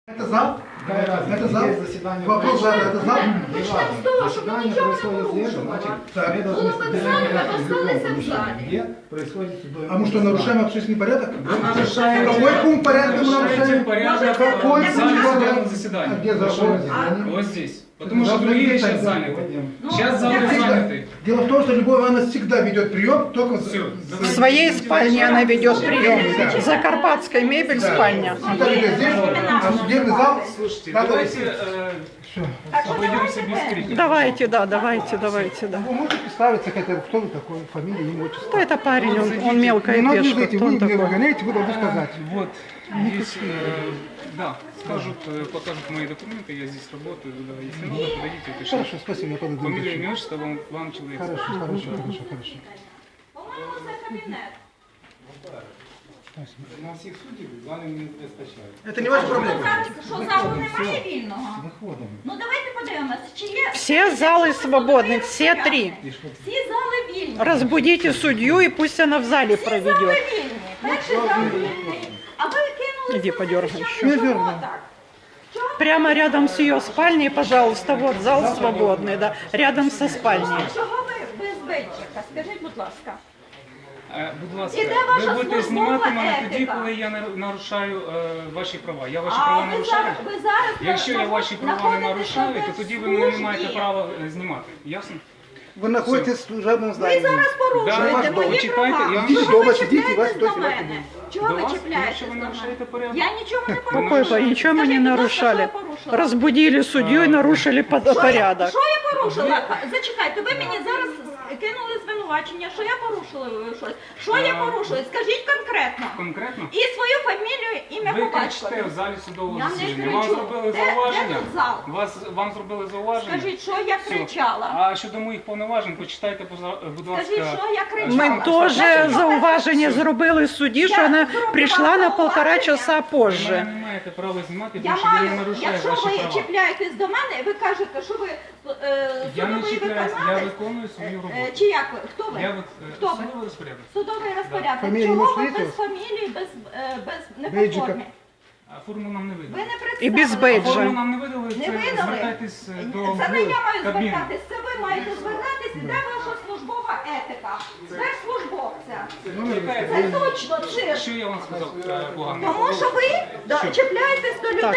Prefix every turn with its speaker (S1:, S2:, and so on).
S1: Это зал?
S2: Да,
S1: это зал?
S2: есть заседание.
S1: Вопрос зала, это зал?
S2: Заседание происходит здесь, значит, мы должны где происходит судовое.
S1: А мы что, нарушаем общественный порядок?
S2: нарушаем.
S1: Какой пункт порядка мы нарушаем?
S3: порядок
S1: Какой
S3: в зале
S1: пункт
S3: судебного
S1: порядка?
S3: заседания.
S1: Где зал?
S3: Вот здесь. Потому что другие сейчас заняты. Сейчас залы заняты.
S1: Дело в том, что Любовь Ивановна всегда ведет прием, только
S3: Все.
S4: В своей спальне она ведет прием. Закарпатская мебель, спальня.
S1: Сюда ведет здесь, а судебный зал.
S3: Слушайте,
S1: надо
S3: давайте
S1: Все.
S3: обойдемся без крика.
S4: Давайте, да.
S1: Вы можете представиться, кто вы такой, фамилия, имя, отчество?
S4: Кто это парень? Он мелкая
S1: Не надо
S4: пешка.
S1: зайти,
S4: Кто
S1: вы
S4: он
S1: не
S4: такой?
S1: выгоняете, вы должны сказать.
S3: Вот, здесь, да, скажут, покажут мои документы, я здесь работаю, да, если надо, подойдите, пишите.
S1: Хорошо, спасибо, я подойду.
S3: Фамилия, имя, отчество, вам человек.
S1: Хорошо.
S5: По-моєму, це кабінет.
S2: На всіх суддів з вами не вистачає.
S1: Это не ваша проблема.
S5: Зараз, що залу немає вільного?
S2: Виходимо.
S5: Ну давайте подивимося, чи є
S4: Все залы свободны, все три.
S5: всі зали вільні.
S4: Разбудите судью и пусть она в зале
S5: Всі зали
S4: проведет.
S5: вільні. Перший зал вільний. А ви кинули
S4: Иди, подергай еще.
S1: Не
S5: Чого
S1: дергай.
S5: так? Чого?
S4: Прямо рядом с ее спальней, пожалуйста, вот зал свободный, да, рядом со спальней.
S5: Чого ви без бейджика? Скажіть, будь ласка.
S3: Будь ласка,
S5: І де ваша
S3: ви будете
S5: службова
S3: знімати мене тоді,
S5: етика?
S3: коли я нарушаю ваші права. Я ваші
S5: А
S3: права
S5: ви
S3: нарушаю?
S5: зараз, ви зараз
S3: Якщо я ваші права не
S5: знаходитесь
S3: нарушаю,
S5: на
S3: то тоді ви мене не маєте
S5: службі.
S3: права знімати. Ясно?
S1: Вы находитесь в служебном
S5: Ви
S1: здании.
S5: зараз порушуєте
S3: Да,
S5: мої
S3: почекайте,
S5: права.
S3: я вам
S5: Чого
S1: Ідіть дома,
S5: ви
S1: сидіть, і вас
S5: чіпляєтесь
S1: хтось
S5: до
S1: знімати
S5: мене?
S1: буде.
S5: Чого
S3: До
S5: ви
S3: вас?
S5: чіпляєтесь
S3: Тому що ви
S5: до
S3: нарушаєте
S5: мене?
S3: порядок.
S5: Я нічого не порушую.
S4: Какой ничего мы не
S5: Скажіть, будь ласка,
S4: нарушали.
S5: що я порушила?
S4: Разбудили судью и нарушили порядок.
S5: Що я порушила? Зачекайте, ви мені зараз кинули звинувачення, що я порушила щось. Що я порушила? Скажіть конкретно.
S3: Конкретно?
S5: І свою фамілію, ім'я
S3: Ви
S5: по
S3: кричите
S5: батькові.
S3: в залі судового
S5: Я не
S3: засідання.
S5: кричу.
S3: Вам зробили
S5: Де
S3: зауваження?
S5: тут зал?
S3: Вам зробили зауваження?
S5: Скажіть, що я
S3: Все.
S5: кричала?
S3: А щодо моїх повноважень, почитайте, будь ласка.
S5: Скажіть, що я кричала?
S4: Мы тоже зауваження зробили судді, що вона прийшла на 1,5 часа
S3: Ви
S4: позже.
S3: мене не маєте права знімати,
S5: Я
S3: тому що я
S5: маю,
S3: не нарушаю
S5: якщо
S3: ваші
S5: ви
S3: права.
S5: чіпляєтесь до мене, і ви кажете, що ви
S3: Я не
S5: судовий
S3: чіпляюсь, я
S5: виконавець,
S3: виконую свою роботу.
S5: чи як ви? Хто ви? Хто ви?
S3: Судовий розпорядок.
S5: Судовий розпорядок.
S1: Фамілія,
S5: Чого
S1: ім'я,
S5: ви
S1: свідки?
S5: без фамілії, без не по
S1: Бейджика.
S5: формі?
S3: А форму нам не
S5: Ви
S3: видали.
S5: не представили.
S4: І без бейджа.
S3: Форму нам не видали,
S5: Не
S3: це
S5: видали?
S3: звертайтесь до
S5: Це не я маю
S3: кабіни.
S5: звертатись, це ви маєте звертатись, де ваша службова етика? Де службовця?
S3: Яка
S5: Це точно цирк.
S3: Що я вам сказав погано?
S5: Тому що ви чіпляєтесь до людей.